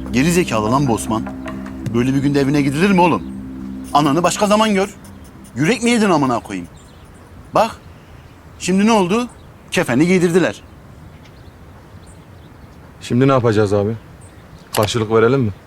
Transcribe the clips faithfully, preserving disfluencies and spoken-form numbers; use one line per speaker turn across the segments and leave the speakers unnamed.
Geri zekalı lan bu Osman. Böyle bir günde evine gidilir mi oğlum? Ananı başka zaman gör. Yürek mi yedin amına koyayım? Bak, şimdi ne oldu? Kefeni giydirdiler.
Şimdi ne yapacağız abi? Karşılık verelim mi?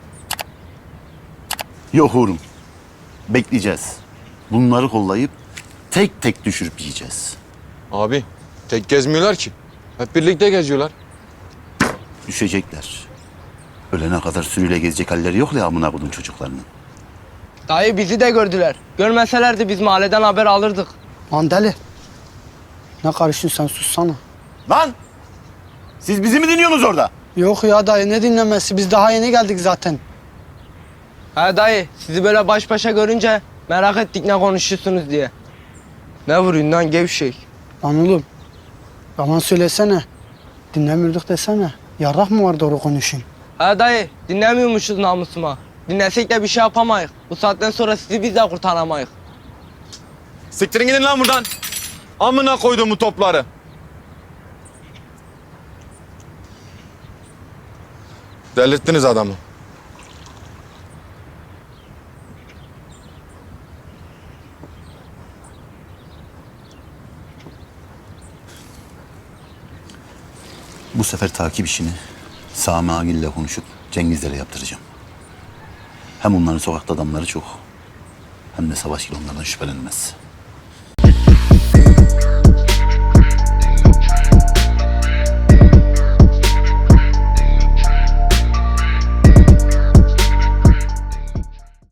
Yok oğlum. Bekleyeceğiz. Bunları kollayıp tek tek düşürüp yiyeceğiz.
Abi tek gezmiyorlar ki. Hep birlikte geziyorlar.
Düşecekler. Ölene kadar sürüyle gezecek halleri yok ya amına koydum çocuklarının.
Dayı bizi de gördüler. Görmeselerdi biz mahalleden haber alırdık.
Lan deli. Ne karışıyorsun sen, sussana.
Lan! Siz bizi mi dinliyorsunuz orada?
Yok ya dayı, ne dinlemesi, biz daha yeni geldik zaten.
He dayı sizi böyle baş başa görünce merak ettik ne konuşuyorsunuz diye. Ne vuruyorsun lan gevşek?
Lan oğlum, yalan söylesene. Dinlemiyorduk desene. Yarrak mı var doğru konuşayım?
He dayı dinlemiyormuşuz namusuma. Dinlesek de bir şey yapamayız. Bu saatten sonra sizi biz de kurtaramayız.
Siktirin gidin lan buradan. Amına koydum bu topları. Delirttiniz adamı.
Bu sefer takip işini Sami Agil'le konuşup Cengizler'e yaptıracağım. Hem onların sokakta adamları çok, hem de Savaşgil onlardan şüphelenmez.